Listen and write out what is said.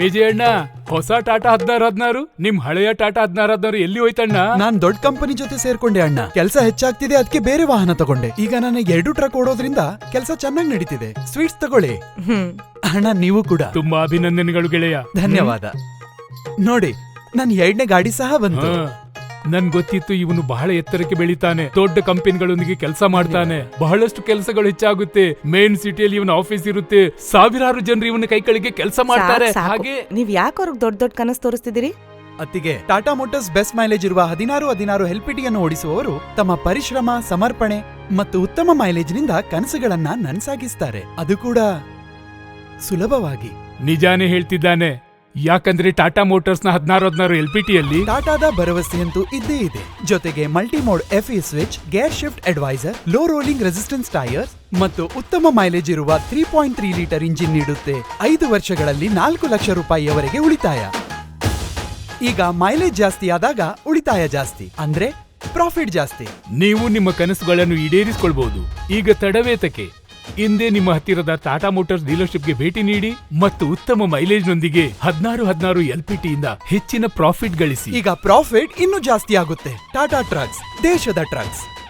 ವಿಜಯಣ್ಣ, ಹೊಸ ಟಾಟಾ 1616 ನಿಮ್ ಹಳೆಯ ಟಾಟಾ 1616 ಎಲ್ಲಿ ಹೋಯ್ತಣ್ಣ? ನಾನ್ ದೊಡ್ಡ ಕಂಪನಿ ಜೊತೆ ಸೇರ್ಕೊಂಡೆ ಅಣ್ಣ. ಕೆಲಸ ಹೆಚ್ಚಾಗ್ತಿದೆ, ಅದಕ್ಕೆ ಬೇರೆ ವಾಹನ ತಗೊಂಡೆ. ಈಗ ನನಗೆ 2 ಟ್ರಕ್ ಓಡೋದ್ರಿಂದ ಕೆಲಸ ಚೆನ್ನಾಗಿ ನಡೀತಿದೆ. ಸ್ವೀಟ್ಸ್ ತಗೊಳ್ಳಿ ಅಣ್ಣ. ನೀವು ಕೂಡ ತುಂಬಾ ಅಭಿನಂದನೆಗಳು ಗೆಳೆಯ. ಧನ್ಯವಾದ. ನೋಡಿ, ನನ್ 2ನೇ ಗಾಡಿ ಸಹ ಬಂತು. ನನ್ ಗೊತ್ತಿತ್ತು ಇವನು ಬಹಳ ಎತ್ತರಕ್ಕೆ ಬೆಳಿತಾನೆ, ದೊಡ್ಡ ಕಂಪನಿಗಳೊಂದಿಗೆ ಕೆಲಸ ಮಾಡ್ತಾನೆ, ಬಹಳಷ್ಟು ಕೆಲಸಗಳು ಹೆಚ್ಚಾಗುತ್ತೆ. ಮೇನ್ ಸಿಟಿಯಲ್ಲಿ ಇವನ ಆಫೀಸ್ ಇರುತ್ತೆ, ಸಾವಿರಾರು ಜನರು ಇವನ ಕೈ ಕೆಳಗೆ ಕೆಲಸ ಮಾಡ್ತಾರೆ. ಹಾಗೆ ನೀವ್ ಯಾಕೆ ಅವ್ರಿಗೆ ದೊಡ್ಡ ದೊಡ್ಡ ಕನಸು ತೋರಿಸ್ತಿದ್ದೀರಿ? ಅತ್ತಿಗೆ, ಟಾಟಾ ಮೋಟಾರ್ಸ್ ಬೆಸ್ಟ್ ಮೈಲೇಜ್ ಇರುವ 1616 ಎಲ್ಪಿಟಿಯನ್ನು ಓಡಿಸುವವರು ತಮ್ಮ ಪರಿಶ್ರಮ, ಸಮರ್ಪಣೆ ಮತ್ತು ಉತ್ತಮ ಮೈಲೇಜ್ನಿಂದ ಕನಸುಗಳನ್ನ ನನ್ಸಾಗಿಸ್ತಾರೆ, ಅದು ಕೂಡ ಸುಲಭವಾಗಿ. ನಿಜಾನೇ ಹೇಳ್ತಿದ್ದಾನೆ. ಯಾಕಂದ್ರೆ ಟಾಟಾ ಮೋಟಾರ್ಸ್ ನ 1616 ಎಲ್ಪಿಟಿಯಲ್ಲಿ ಟಾಟಾದ ಭರವಸೆಯಂತೂ ಇದ್ದೇ ಇದೆ. ಜೊತೆಗೆ multimode FE switch, gear shift adviser, low rolling resistance tyres ಮತ್ತು ಉತ್ತಮ ಮೈಲೇಜ್ ಇರುವ 3.3 ಲೀಟರ್ ಇಂಜಿನ್ ನೀಡುತ್ತೆ. 5 ವರ್ಷಗಳಲ್ಲಿ 4 ಲಕ್ಷ ರೂಪಾಯಿಯವರೆಗೆ ಉಳಿತಾಯ. ಈಗ ಮೈಲೇಜ್ ಜಾಸ್ತಿ ಆದಾಗ ಉಳಿತಾಯ ಜಾಸ್ತಿ, ಅಂದ್ರೆ ಪ್ರಾಫಿಟ್ ಜಾಸ್ತಿ. ನೀವು ನಿಮ್ಮ ಕನಸುಗಳನ್ನು ಈಡೇರಿಸಿಕೊಳ್ಬಹುದು. ಈಗ ತಡವೇತಕ್ಕೆ ಹಿಂದೆ ನಿಮ್ಮ ಹತ್ತಿರದ ಟಾಟಾ ಮೋಟಾರ್ಸ್ ಡೀಲರ್ಶಿಪ್ಗೆ ಭೇಟಿ ನೀಡಿ ಮತ್ತು ಉತ್ತಮ ಮೈಲೇಜ್ನೊಂದಿಗೆ 1616 ಎಲ್ಪಿಟಿಯಿಂದ ಹೆಚ್ಚಿನ ಪ್ರಾಫಿಟ್ ಗಳಿಸಿ. ಈಗ ಪ್ರಾಫಿಟ್ ಇನ್ನೂ ಜಾಸ್ತಿ ಆಗುತ್ತೆ. ಟಾಟಾ ಟ್ರಕ್ಸ್, ದೇಶದ ಟ್ರಕ್ಸ್.